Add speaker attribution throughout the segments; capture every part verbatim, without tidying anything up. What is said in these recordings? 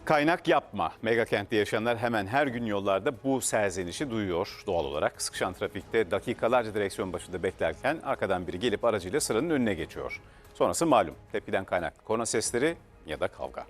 Speaker 1: Kaynak yapma. Megakentte yaşayanlar hemen her gün yollarda bu serzenişi duyuyor doğal olarak. Sıkışan trafikte dakikalarca direksiyon başında beklerken arkadan biri gelip aracıyla sıranın önüne geçiyor. Sonrası malum. Tepkiden kaynaklı korna sesleri ya da kavga.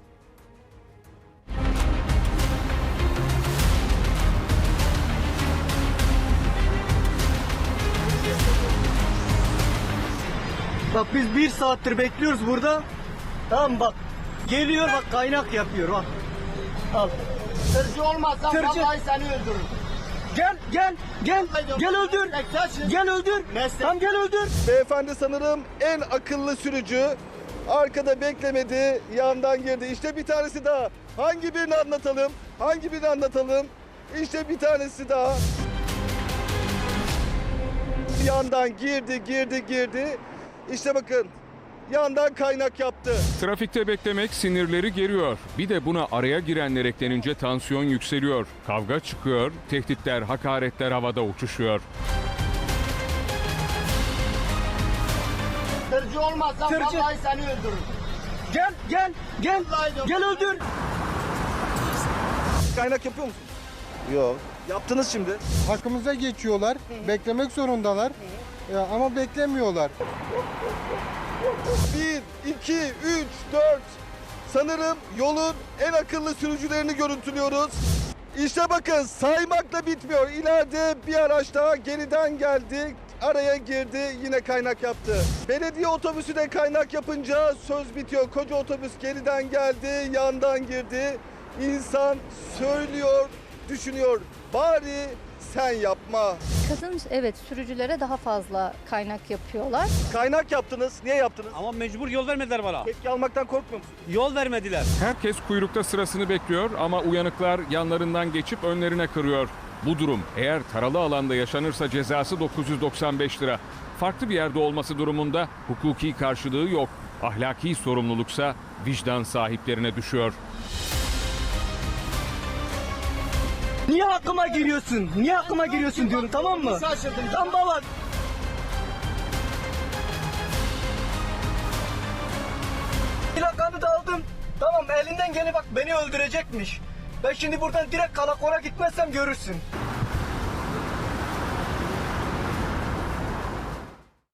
Speaker 2: Bak biz bir saattir bekliyoruz burada. Tamam bak. Geliyor bak kaynak yapıyor bak. Al.
Speaker 3: Tırcı olmazsan
Speaker 2: Tırcı.
Speaker 3: vallahi seni öldürürüm.
Speaker 2: Gel gel gel. Gel öldür. Gel öldür. Tamam gel öldür.
Speaker 4: Beyefendi sanırım en akıllı sürücü. Arkada beklemedi, yandan girdi. İşte bir tanesi daha. Hangi birini anlatalım? Hangi birini anlatalım? İşte bir tanesi daha. Yandan girdi, girdi, girdi. İşte bakın. Yandan kaynak yaptı.
Speaker 5: Trafikte beklemek sinirleri geriyor. Bir de buna araya girenler eklenince tansiyon yükseliyor. Kavga çıkıyor, tehditler, hakaretler havada uçuşuyor.
Speaker 3: Tırcı olmazsan
Speaker 2: Tırcı.
Speaker 3: vallahi seni öldürürüm.
Speaker 2: Gel gel gel. Gel öldür.
Speaker 4: Kaynak yapıyor musun? Yok. Yaptınız şimdi.
Speaker 6: Hakkımıza geçiyorlar. Beklemek zorundalar. Ya, ama beklemiyorlar.
Speaker 4: Bir, iki, üç, dört. Sanırım yolun en akıllı sürücülerini görüntülüyoruz. İşte bakın saymakla bitmiyor. İleride bir araç daha geriden geldi. Araya girdi, yine kaynak yaptı. Belediye otobüsü de kaynak yapınca söz bitiyor. Koca otobüs geriden geldi, yandan girdi. İnsan söylüyor, düşünüyor. Bari sen yapma.
Speaker 7: Kadın evet sürücülere daha fazla kaynak yapıyorlar.
Speaker 4: Kaynak yaptınız. Niye yaptınız?
Speaker 8: Ama mecbur yol vermediler bana.
Speaker 4: Tepki almaktan korkmuyor musun?
Speaker 8: Yol vermediler.
Speaker 5: Herkes kuyrukta sırasını bekliyor ama uyanıklar yanlarından geçip önlerine kırıyor. Bu durum eğer taralı alanda yaşanırsa cezası dokuz yüz doksan beş lira. Farklı bir yerde olması durumunda hukuki karşılığı yok. Ahlaki sorumluluksa vicdan sahiplerine düşüyor.
Speaker 2: Niye hakkıma giriyorsun? Niye hakkıma giriyorsun diyorum tamam mı?
Speaker 3: Şaşırdım.
Speaker 2: Tamam baba. Plakamı da aldım. Tamam elinden gene bak beni öldürecekmiş. Ben şimdi buradan direkt karakora gitmezsem görürsün.